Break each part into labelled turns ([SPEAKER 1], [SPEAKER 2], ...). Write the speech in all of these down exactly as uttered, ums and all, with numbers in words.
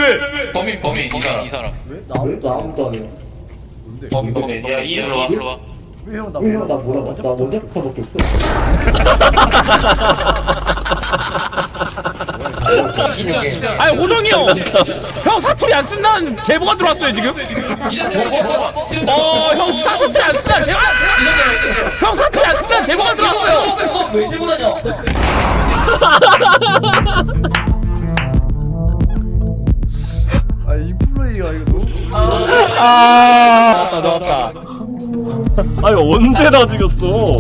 [SPEAKER 1] 왜?
[SPEAKER 2] 범인 범인 이 사람 이 사람.
[SPEAKER 3] 왜? 나 아무도 아무도 안 해요.
[SPEAKER 4] 뭔데?
[SPEAKER 2] 범인 범인. 야 일로 와 일로 와.
[SPEAKER 3] 왜 형 나
[SPEAKER 4] 왜
[SPEAKER 3] 몰라?
[SPEAKER 4] 나 몰라? 나 언제부터밖에 없어.
[SPEAKER 1] 아니 호정이 형! 형 사투리 안 쓴다는 제보가 들어왔어요 지금? 어형 사투리 안 쓴다는 제보 형 사투리 안 쓴다는 제보가 들어왔어요!
[SPEAKER 5] 왜 들고 다녀?
[SPEAKER 3] 아 인플레이가 이거 너무.
[SPEAKER 1] 아 나왔다 나왔다.
[SPEAKER 6] 아니 언제 다 죽였어?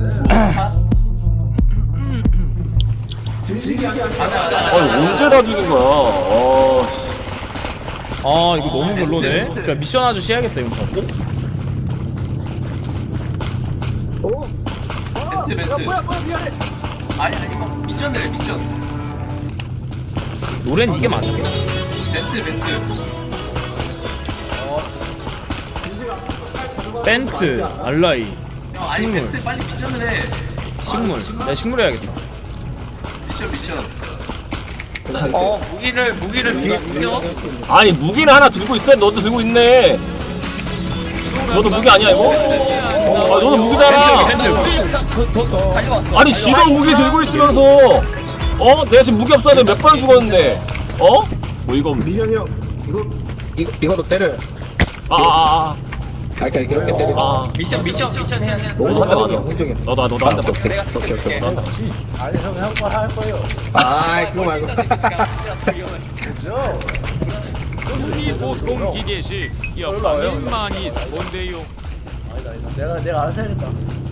[SPEAKER 6] 아니 언제 다 죽인 거야? 아,
[SPEAKER 1] 아 이거 너무 별로네. 그러니까 미션 아저씨 해야겠다 이거 갖고.
[SPEAKER 2] 멘트 멘트.
[SPEAKER 3] 뭐야 뭐야 미안해.
[SPEAKER 2] 아니 아니 미션 돼 미션.
[SPEAKER 1] 노래는 이게 맞았겠다.
[SPEAKER 2] 멘트 멘트.
[SPEAKER 1] 벤트, 알라이,
[SPEAKER 2] 형 아니
[SPEAKER 1] 식물,
[SPEAKER 2] 멘트 빨리 미션을 해.
[SPEAKER 1] 식물. 내가 식물 해야겠다.
[SPEAKER 2] 미션 미션.
[SPEAKER 5] 어 무기를 무기를 뒤에 숨겨.
[SPEAKER 6] 아니 무기는 하나 들고 있어. 너도 들고 있네. 너도 무기 아니야 이거? 아 너도 무기잖아. 아니 지도 무기 들고 있으면서 어? 내가 지금 무기 없어야 돼. 몇 번 죽었는데 어? 뭐 이거
[SPEAKER 4] 미션이 형 이거 이거 이거로 때려.
[SPEAKER 6] 아아아
[SPEAKER 4] 아 그러니까 이렇게 때려.
[SPEAKER 6] 아,
[SPEAKER 5] 미션 미션 미션 해야 돼.
[SPEAKER 6] 너도 한 대 맞아.
[SPEAKER 4] 홍정이.
[SPEAKER 6] 너도 너도 한 대 맞아.
[SPEAKER 4] 오케이 오케이 오케이.
[SPEAKER 6] 너도 한 대 맞아.
[SPEAKER 3] 아니 형형거할 거예요.
[SPEAKER 4] 아 그거 말고.
[SPEAKER 3] 그죠?
[SPEAKER 7] 이 보통 기계식 여파민만이 뭔데요?
[SPEAKER 3] 아니다 아니다. 내가 내가 알아서 해야겠다.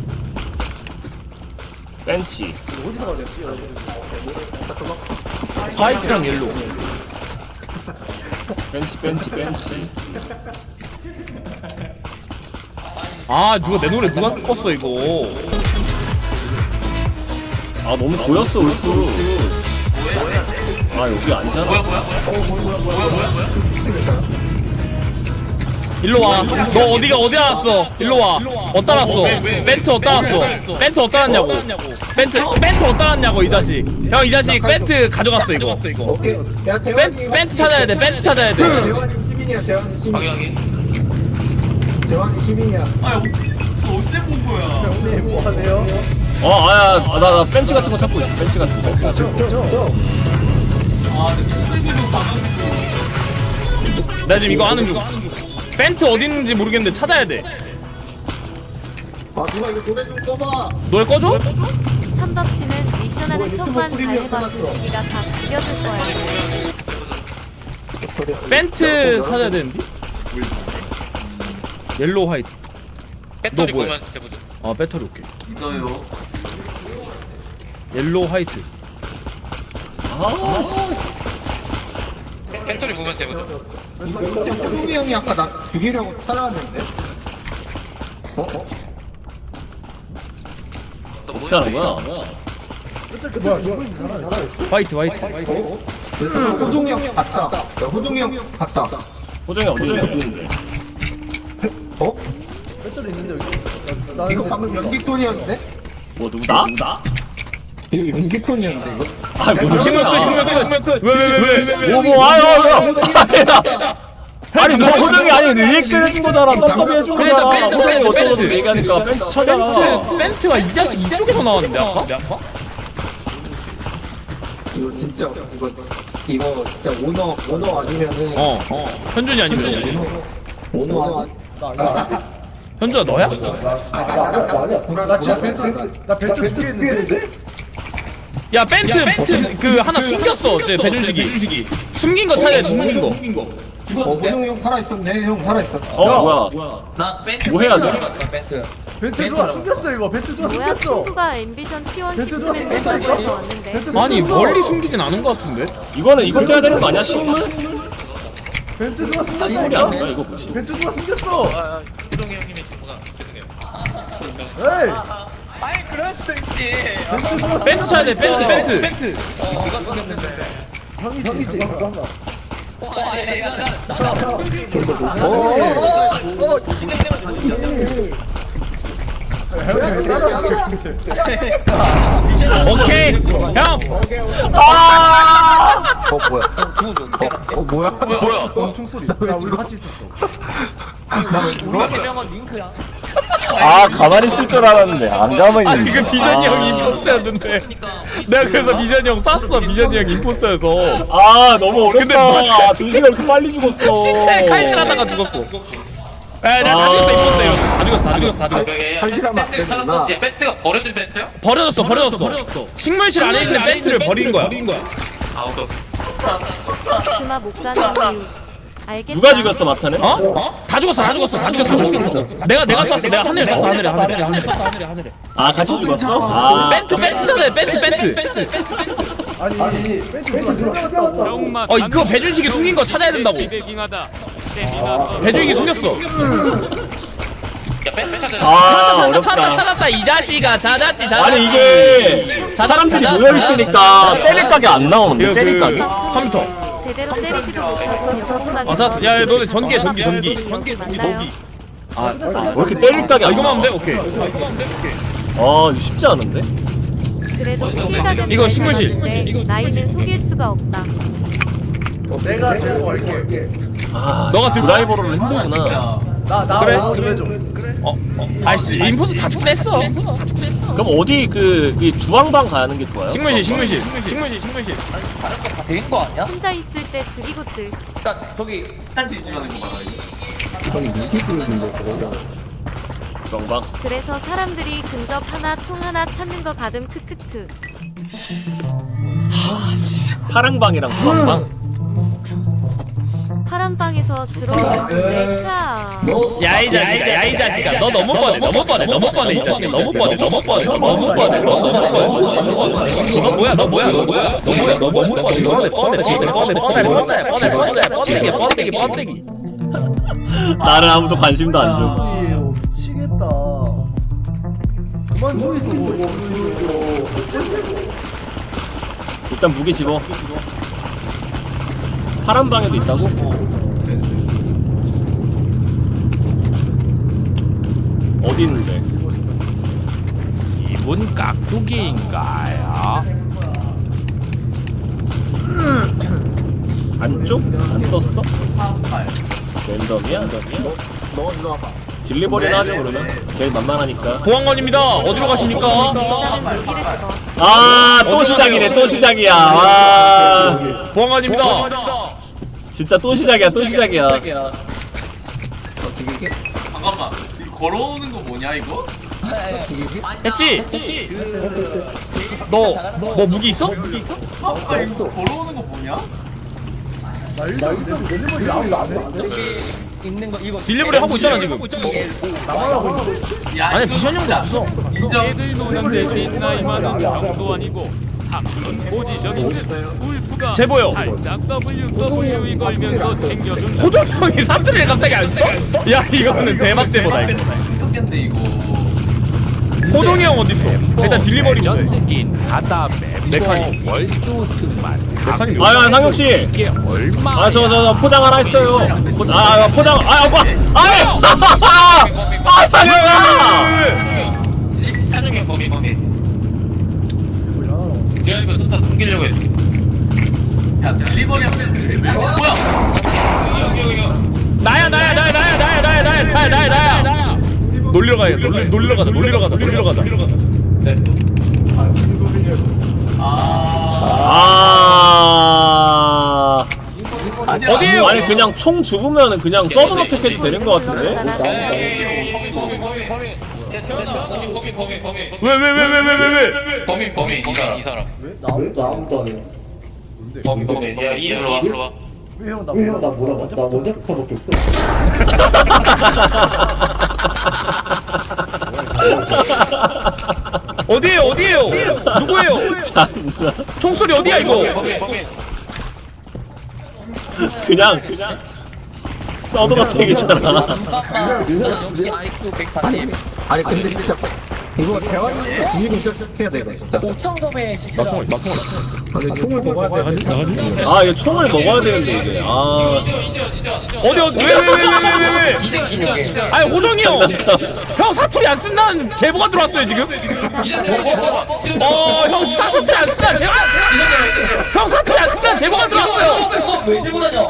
[SPEAKER 6] 벤치.
[SPEAKER 3] 어디서 가졌지?
[SPEAKER 1] 화이트랑 옐로우.
[SPEAKER 6] 벤치 벤치 벤치.
[SPEAKER 1] 아 누가 내 노래 누가 껐어 이거.
[SPEAKER 6] 아 너무 보였어 울프. 아 여기 앉잖아.
[SPEAKER 2] 뭐야 뭐야 뭐야?
[SPEAKER 1] 일로 와. 너 어디가 어디 나왔어? 일로 와. 어디다 놨어? 벤트 어디다 놨어? 벤트 어디다 놨냐고? 벤트 벤트 어디다 놨냐고 이 자식. 형 이 자식 벤트 가져갔어 이거.
[SPEAKER 4] 오케이. 야
[SPEAKER 1] 벤,
[SPEAKER 4] 재환이.
[SPEAKER 1] 벤트 찾아야 돼. 벤트 찾아야 돼.
[SPEAKER 4] 재환이 시민이야. 재환이 시민.
[SPEAKER 2] 확인하기.
[SPEAKER 4] 재환이 시민이야.
[SPEAKER 2] 아 언제 본 거야?
[SPEAKER 3] 형님 뭐 하세요?
[SPEAKER 6] 어 아야 나 나 벤치 같은 거 찾고 있어. 벤치 같은 거.
[SPEAKER 3] 저
[SPEAKER 1] 나 지금 이거 하는 중. 벤트 어디 있는지 모르겠는데 찾아야 돼.
[SPEAKER 4] 아 누가 이거 노래 좀 꺼봐.
[SPEAKER 1] 노래 꺼줘?
[SPEAKER 8] 천박 씨는 미션하는 척만 잘해봐 준식이가 다 죽여줄 거야.
[SPEAKER 1] 벤트 찾아야 되는데. 옐로우 화이트.
[SPEAKER 2] 배터리
[SPEAKER 1] 너 뭐야?
[SPEAKER 2] 보면 해보죠.
[SPEAKER 1] 아 배터리 오케이.
[SPEAKER 2] 있어요.
[SPEAKER 1] 옐로우 화이트.
[SPEAKER 2] 배터리 보면 해보죠.
[SPEAKER 4] 호동이 형이 아까 나 죽이려고 찾아왔는데. 어? 어?
[SPEAKER 6] 어떻게 하는 거야?
[SPEAKER 3] 뭐야 죽고 있는 사람.
[SPEAKER 1] 화이트 화이트.
[SPEAKER 4] 호동이 형 봤다. 야, 호동이 형 봤다.
[SPEAKER 6] 호정이 어디 있는데?
[SPEAKER 4] 어?
[SPEAKER 3] 배터리 있는데 여기. 나
[SPEAKER 4] 이거 방금 연기톤이었는데?
[SPEAKER 6] 뭐 누구 나? 나?
[SPEAKER 4] 이거 연기톤이었는데 이거?
[SPEAKER 6] 아 무슨
[SPEAKER 1] 신문 끝 신문 끝 신문 끝. 왜왜왜 왜?
[SPEAKER 6] 뭐뭐 아유 아유. 아니 너 호정이 아니 리액션 해준 거잖아. 떡밥이 해준
[SPEAKER 1] 그래,
[SPEAKER 6] 거잖아.
[SPEAKER 1] 나 벤츠
[SPEAKER 6] 호정이
[SPEAKER 1] 찾아야 돼,
[SPEAKER 6] 어쩌고
[SPEAKER 1] 벤츠.
[SPEAKER 6] 얘기하니까 벤츠 찾아.
[SPEAKER 1] 벤트 벤트가 이 자식 이쪽에서 나왔는데 아까?
[SPEAKER 4] 이거 진짜 이거 이거 진짜 오너 오너 아니면은
[SPEAKER 1] 어 어. 현준이 아니면
[SPEAKER 4] 오너 아
[SPEAKER 1] 현준아 너야?
[SPEAKER 3] 나 진짜 벤트 나 벤트 두개 했는데.
[SPEAKER 1] 야 벤트 벤트 그 하나 숨겼어. 제 배준식이. 숨긴 거 찾아야 돼. 숨긴 거.
[SPEAKER 4] 어 호동이 형 살아 있었네. 형 살아 있었.
[SPEAKER 6] 어 뭐야?
[SPEAKER 5] 나 벤트.
[SPEAKER 6] 뭐 해야 돼?
[SPEAKER 5] 벤트.
[SPEAKER 3] 벤트 누가 숨겼어 이거. 벤트 누가
[SPEAKER 8] 뭐야
[SPEAKER 3] 숨겼어.
[SPEAKER 8] 친구가 앰비션 티원
[SPEAKER 3] 벤트 누가
[SPEAKER 8] 식스맨 멤버
[SPEAKER 3] 숨겼다니까?
[SPEAKER 8] 돼서 왔는데.
[SPEAKER 3] 벤트
[SPEAKER 1] 아니
[SPEAKER 3] 숨겼어.
[SPEAKER 1] 멀리 숨기진 않은 거 같은데.
[SPEAKER 6] 이거는 이것도 해야 되는 거 아니야? 식물?
[SPEAKER 3] 벤트 누가
[SPEAKER 6] 식물이
[SPEAKER 3] 숨겼다니까?
[SPEAKER 6] 아닌가 이거 뭐지?
[SPEAKER 3] 벤트 누가 숨겼어.
[SPEAKER 2] 아 호동이 형님의 친구가 죄송해요.
[SPEAKER 3] 에이.
[SPEAKER 5] 아이 그럴 수도 있지.
[SPEAKER 3] 벤트 누가
[SPEAKER 1] 벤트 찾아야 돼. 벤트 벤트. 벤트.
[SPEAKER 5] 네가 죽였는데.
[SPEAKER 3] 형이지. 형이지. 잠깐만.
[SPEAKER 5] 어 아니 나
[SPEAKER 3] 어. 어.
[SPEAKER 1] 오케이 형.
[SPEAKER 4] 어 뭐야? 어 뭐야?
[SPEAKER 2] 뭐야?
[SPEAKER 3] 어, 총소리. 야, 우리 같이 있었어.
[SPEAKER 5] 그렇게 명언 링크야.
[SPEAKER 6] 아 가만히 있을 줄 알았는데 안 가만히
[SPEAKER 1] 아니
[SPEAKER 6] 있네.
[SPEAKER 1] 그 비전이
[SPEAKER 6] 아.
[SPEAKER 1] 형이 임포스터였는데 내가 그래서 비전이 형 쐈어. 비전이 형 임포스터여서
[SPEAKER 6] 아 너무
[SPEAKER 1] 근데
[SPEAKER 6] 어렵다. 준식이 이렇게 빨리 죽었어.
[SPEAKER 1] 신체에 칼질하다가 죽었어. 에 내가 다 죽였어 임포스터 이거. 다 죽였어 다 죽였어 다
[SPEAKER 2] 아,
[SPEAKER 1] 죽였어.
[SPEAKER 2] 그게
[SPEAKER 4] 칼질하면 안
[SPEAKER 2] 벤트
[SPEAKER 4] 되는구나.
[SPEAKER 2] 찾았어. 얘 벤트가 버려진 벤트야?
[SPEAKER 1] 버려졌어 버려졌어. 식물실 안에 있는 벤트를 버린 거야.
[SPEAKER 2] 아, 오케이, 오케이.
[SPEAKER 8] 그마 못 가는 이유. 알겠다.
[SPEAKER 6] 누가 죽였어 마타는?
[SPEAKER 1] 어? 다 죽었어 다 죽었어 다 죽였어. 내가 내가 쐈어. 내가 하늘에 쐈어 하늘에 하늘에 하늘에 하늘에.
[SPEAKER 6] 아 같이 죽었어? 아
[SPEAKER 1] 벤트 벤트잖아요 벤트 벤트.
[SPEAKER 3] 아니, 아니, 벤트 누가 생각났다고.
[SPEAKER 7] 병마
[SPEAKER 1] 어 그거 배준식이 숨긴 거 찾아야 된다고.
[SPEAKER 7] 기대킹하다. 스태미나
[SPEAKER 1] 배준식이 숨겼어.
[SPEAKER 2] 야, 벤, 벤 찾아.
[SPEAKER 6] 아,
[SPEAKER 1] 찾았다 찾았다
[SPEAKER 6] 어렵다.
[SPEAKER 1] 찾았다 찾았다 이 자식아 찾았지 찾았지.
[SPEAKER 6] 아니 이게 사람들이 모여 있으니까 때릴 각이 안 나오는데 때릴 각이?
[SPEAKER 1] 컴퓨터.
[SPEAKER 8] 제대로 때리지도 못하고 영웅당해서
[SPEAKER 1] 아 찾았어. 야 너네 전기해 전기 전기.
[SPEAKER 8] 전기
[SPEAKER 1] 전기
[SPEAKER 8] 만나요.
[SPEAKER 1] 전기.
[SPEAKER 6] 왜 이렇게 때릴 각이
[SPEAKER 1] 아
[SPEAKER 6] 안
[SPEAKER 1] 이거만 하면 돼?
[SPEAKER 6] 나와?
[SPEAKER 1] 오케이.
[SPEAKER 6] 아 이거 쉽지 않은데?
[SPEAKER 8] 그래도 실각은
[SPEAKER 1] 이거
[SPEAKER 8] 잘
[SPEAKER 1] 식물실.
[SPEAKER 8] 잡았는데 나이는 속일 수가 없다.
[SPEAKER 3] 내가 제거 할게.
[SPEAKER 6] 아
[SPEAKER 1] 너가 들고
[SPEAKER 6] 드라이버로 힘들구나.
[SPEAKER 3] 나, 나,
[SPEAKER 1] 그래?
[SPEAKER 3] 나, 그래 줘.
[SPEAKER 1] 어? 어? 아이씨 인포도 다 죽긴 했어.
[SPEAKER 6] 그럼 어디 그, 그 주황방 가는 게 좋아요?
[SPEAKER 1] 식물실 식물실 식물실 식물실.
[SPEAKER 5] 다른 거다 된 거 아니야?
[SPEAKER 8] 혼자 있을 때 죽이고 질.
[SPEAKER 5] 그러니까 저기 한시 집어넣은 거 봐라.
[SPEAKER 6] 주황방.
[SPEAKER 8] 그래서 사람들이 근접 하나 총 하나 찾는 거 가끔 크크크.
[SPEAKER 6] 파랑방이랑 주황방.
[SPEAKER 8] 파란 방에서 주로 있는데 크아.
[SPEAKER 1] 야이 자식아 야이 자식아 너 너무 뻔해 너무 뻔해 너무 뻔해 이 자식아 너무 뻔해 너무 뻔해 너무 뻔해 너 너무 뻔해 너무 뻔해 너 뭐야 너 뭐야 너 뭐야 너 뭐야 너 너무 뻔해 뻔해 뻔해 진짜 뻔해 뻔해 뻔해 뻔해 뻔해 뻔데기 뻔데기 뻔데기.
[SPEAKER 6] 나를 아무도 관심도 안 줘.
[SPEAKER 3] 아이고, 미치겠다. 그만 좀 있어, 뭐.
[SPEAKER 6] 일단 무게 집어. 파란 방에도 있다고? 어디 있는데?
[SPEAKER 1] 이분 깍두기인가요?
[SPEAKER 6] 안쪽? 안 떴어? 랜덤이야?
[SPEAKER 4] 너 일로 와봐.
[SPEAKER 6] 딜리버리나 하죠 그러면? 제일 만만하니까.
[SPEAKER 1] 보안관입니다. 어디로 가십니까?
[SPEAKER 8] 일단은 무기를 집어.
[SPEAKER 6] 아 또 시작이네 또 시작이야. 와
[SPEAKER 1] 보안관입니다.
[SPEAKER 6] 진짜 또 시작이야 또 시작이야.
[SPEAKER 2] 잠깐만. 이거 걸어오는 거 뭐냐, 이거?
[SPEAKER 1] 했지? 너 뭐 무기 있어?
[SPEAKER 2] 아, 이거 걸어오는 거 뭐냐?
[SPEAKER 3] 나 일단 델리버리 아무도 안 해.
[SPEAKER 5] 있는 거 이거
[SPEAKER 1] 딜리버리 하고 있잖아 지금.
[SPEAKER 3] 나만 하고 있는데.
[SPEAKER 2] 야,
[SPEAKER 1] 아니
[SPEAKER 2] 이거
[SPEAKER 1] 비전 형도 없어.
[SPEAKER 7] 애들 노는데 뒷나이 많은 병도 아니고 삼촌 포지션 있는 울프가
[SPEAKER 1] 제보요.
[SPEAKER 7] 살짝 더블유더블유이 걸면서 챙겨준
[SPEAKER 1] 호조 형이 사투리를 갑자기 안 써? 야 이거는 대박 제보다 이거.
[SPEAKER 2] 생겼겠네, 이거.
[SPEAKER 1] 호동이 형 어디 있어? 일단 딜리버리 먼저.
[SPEAKER 7] 긴 하다
[SPEAKER 1] 메카닉.
[SPEAKER 7] 월주 승만
[SPEAKER 1] 메카닉.
[SPEAKER 6] 아야 상혁 씨.
[SPEAKER 7] 이게 얼마
[SPEAKER 6] 아 저 저 저 포장 하나 했어요. 포, 아 아, 포장 아 뭐? 아예 아 상혁아.
[SPEAKER 2] 찬용이 형, 범위, 범위.
[SPEAKER 3] 뭐야.
[SPEAKER 2] 드라이버 쏟다 숨기려고 했어. 야, 딜리버리 하면 뭐야? 여기, 여기, 여기.
[SPEAKER 1] 나야 나야 나야 나야 나야 나야 나야 나야 나야 나야. 놀리러 가야 놀리 놀리러 가자 놀리러 가자 놀리러 가자.
[SPEAKER 2] 네.
[SPEAKER 6] 아.
[SPEAKER 1] 어디에요?
[SPEAKER 6] 아니 그냥 총 죽으면 그냥 서든 어택 해도 되는 거 같은데?
[SPEAKER 2] 야, 야, 야, 야, 범위, 범위, 범위, 범위. 야, 태어나. 범위, 범위, 범위, 범위.
[SPEAKER 1] 왜 왜 왜 왜 왜 왜 왜?
[SPEAKER 2] 범위, 범위, 이 사람, 이 사람.
[SPEAKER 3] 나 아무도 아무도 안 해.
[SPEAKER 2] 범위, 범위. 야, 이 일로 와, 일로 와.
[SPEAKER 3] 왜 형, 나 뭐라, 나 뭐라, 나 언제부터밖에 없어.
[SPEAKER 1] 어디에요 어디에요? 누구예요?
[SPEAKER 6] 참나.
[SPEAKER 1] 총소리 어디야 이거?
[SPEAKER 2] 범위, 범위.
[SPEAKER 6] 그냥 그냥 서든 어택이잖아.
[SPEAKER 5] 역시 아이큐 백사십.
[SPEAKER 4] 아니 근데 진짜 이거 대화를 죽이고 시작해야 돼 이거 진짜.
[SPEAKER 5] 옥청섬에
[SPEAKER 1] 나 총알 나 총알
[SPEAKER 4] 아니 총을 먹어야 돼.
[SPEAKER 6] 아 이거 총을 먹어야 되는데 이게 아
[SPEAKER 1] 어디 어디 왜 왜 왜 왜 왜 왜
[SPEAKER 2] 이제 기념해.
[SPEAKER 1] 아니 호정이 형! 형 사투리 안 쓴다는 제보가 들어왔어요 지금? 어형 사투리 안 쓴다는 제보 형 사투리 안 쓴다는 제보가 들어왔어요!
[SPEAKER 5] 왜 들고 다녀?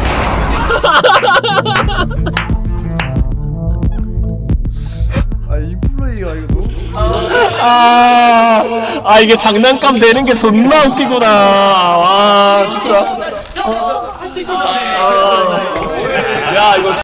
[SPEAKER 3] 아 인플레이가 이거 너무
[SPEAKER 6] 아, 아 이게 장난감 되는 게 존나 웃기구나. 와 진짜. 아, 야 이거.